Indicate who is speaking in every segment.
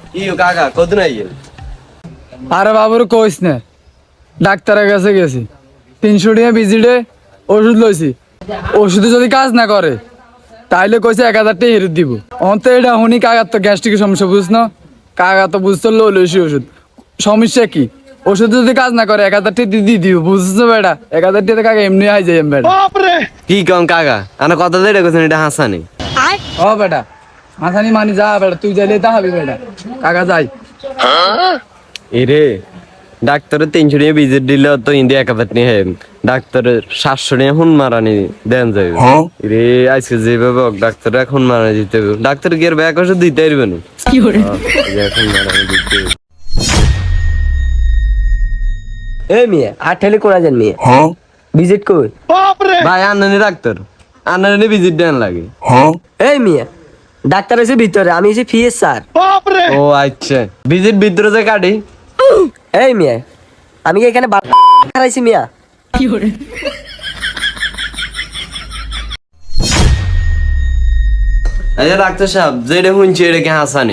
Speaker 1: কি কাকা কত নাই
Speaker 2: আরে বাবুর কইস না, ডাক্তারের কাছে গেছি, 300 টাকা ভিজিটে ওষুধ লইছি। ওষুধে যদি কাজ না করে তাইলে কইছে 1000 টাকা হেরত দিব। অন্ত এটা শুনি কাকার তো গ্যাস্ট্রিকের সমস্যা বুঝ না, কাকা তো বুঝতে লইছি ওষুধ। সমস্যা কি? ওষুধ যদি কাজ না করে 1000 টাকা দিয়ে দিব, বুঝছো বেটা? 1000 টাকা কাকা এমনি আই যাই বেটা।
Speaker 1: কি কম কাকা আনা কথা যেটা কইছেন এটা হাসানি।
Speaker 2: ও বেটা মাথানি মানি যা বেটা, তুই যাইলে তা হবি বেটা, কাকা যাই।
Speaker 1: এরে ডাক্তারের 300 টাকা ভিজিট দিলে তো ইন্ডিয়া 1000 টাকা ডাক্তারের 700 টাকা হুন মারানি দেন যাবে রে। আজকে যেভাবে ডাক্তার এখন মারানি দিতে হবে, ডাক্তার গিয়ে ব্যাক ওষুধ দিতে পারবে না। কি করে এখন মারানি দিতে হবে।
Speaker 3: এই মিয়া আর ঠেলে কোনা যান মিয়া ভিজিট কই
Speaker 1: ভাই আনানি ডাক্তার আনানি ভিজিট দেন লাগে।
Speaker 3: এই মিয়া ডাক্তার আছে ভিতরে, আমি এসে ফিএস স্যার।
Speaker 1: ও আচ্ছা ভিজিট ভিতরে যে কাটি।
Speaker 3: এই মিয়া আমি কি এখানে হারাইছি মিয়া?
Speaker 1: আচ্ছা ডাক্তার সাহেব যেটা শুনছি এটা কি হাসানি?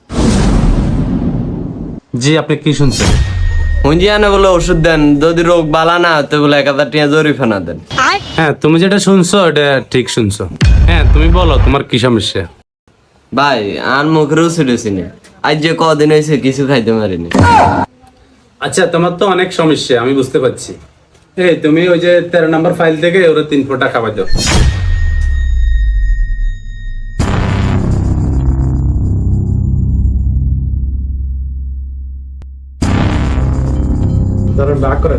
Speaker 4: জি, আপনি কি শুনছেন?
Speaker 1: শুনছি আনে বলে ওষুধ দেন, যদি রোগ বালা না হতে বলে 1000 টাকা জরিমানা দেন।
Speaker 4: হ্যাঁ, তুমি যেটা শুনছো এটা ঠিক শুনছো। হ্যাঁ, তুমি বলো তোমার কি সমস্যা?
Speaker 1: ভাই আর মুখেরও ছুটেছি না, আজ যে কদিন হয়েছে কিছু খাইতে পারিনি।
Speaker 4: আচ্ছা, তোমার তো অনেক সমস্যা আমি বুঝতে পারছি। এই তুমি ওই যে 13 নম্বর ফাইল থেকে ওরা 3 ফোঁটা খাবার দাও। ধরো ভাগ করে।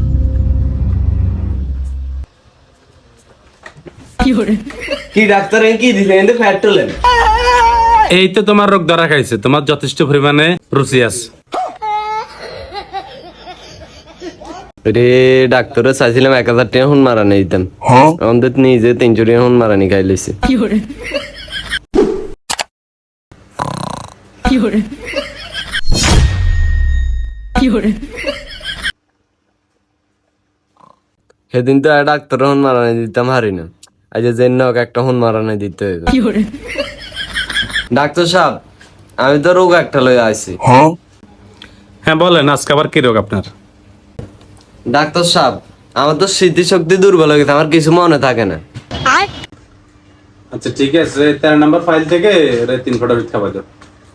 Speaker 1: কি ডাক্তার কি দিলে কিন্তু ফ্যাট তোলেন?
Speaker 4: এই তো তোমার রোগ ধরা খাইছে, তোমার যথেষ্ট পরিমাণে রুচি আছে।
Speaker 1: রে ডাক্তারে চাইছিলাম 1000 টাকা হুন মারানি দিতাম, আমাদের নিজে 300 টাকা হুন মারানি খাই লইছে। সেদিন তো ডাক্তার হুন মারানি দিতাম হারি না, আজ যে একটা হুন মারানি দিতে হবে। ডাক্তার সাহেব আমি তো রোগ একটা লই আইছি।
Speaker 4: হ্যাঁ বলেন, আজকে আবার কি রোগ আপনার?
Speaker 1: ডাক্তার সাহেব আমার তো স্মৃতিশক্তি দুর্বল হয়ে গেছে, আমার কিছু মনে থাকে না।
Speaker 4: আচ্ছা ঠিক আছে, 13 নম্বর ফাইল থেকে ওরা 3 ফোঁটা খাবার দাও।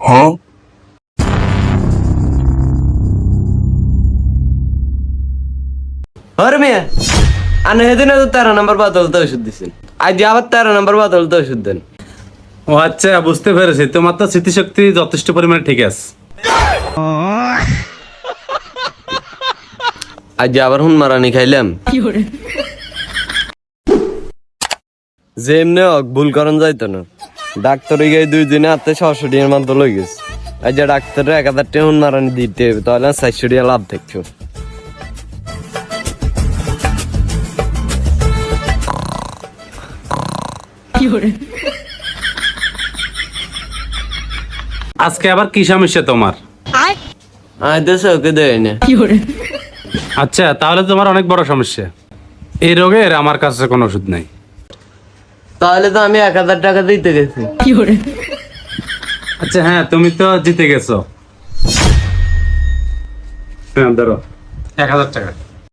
Speaker 1: আরে মিয়া আনে সেদিন তো 13 নম্বর বোতলতে ওষুধ দিছেন, আজ আবার 13 নম্বর বোতলতে ওষুধ দেন।
Speaker 4: ও আচ্ছা, বুঝতে পেরেছি, তোমার তো স্মৃতিশক্তি যথেষ্ট পরিমাণে ঠিক আছে।
Speaker 1: আজ আবার হুন মারানি খাইলাম। যে এমনি ভুল করন যাইতো না, ডাক্তার গিয়ে 2 দিনে হাতে 600 টাকার মতো লই গেছে। আজ ডাক্তারের 1000 টাকা হুন মারানি দিতে হবে, তাহলে 400 টাকা লাভ দেখছো।
Speaker 4: আজকে আবার কি সমস্যা তোমার?
Speaker 1: আজ তো চোখে দেয় না।
Speaker 4: আচ্ছা, তাহলে তোমার অনেক বড় সমস্যা। এই রোগের আমার কাছে কোনো ওষুধ নাই।
Speaker 1: তাহলে তো আমি 1000 টাকা দিতে গেছি।
Speaker 4: আচ্ছা হ্যাঁ, তুমি তো জিতে গেছো। হ্যাঁ ধরো 1000 টাকা।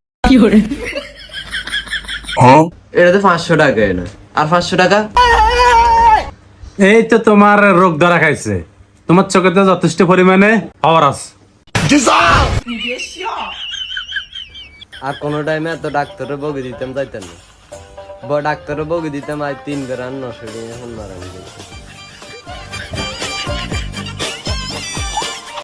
Speaker 1: এটা তো 500 টাকা না, আর 500 টাকা।
Speaker 4: এই তো তোমার রোগ ধরা খাইছে, তোমার চোখে তো যথেষ্ট পরিমাণে পাওয়ার আছে।
Speaker 1: আর কোনো টাইমে এত ডাক্তারের বগি দিতাম যাইতেন না, ডাক্তারের বগি দিতাম আজ 3 বেড়ান 900 টাকা হুন মারানি গেছে।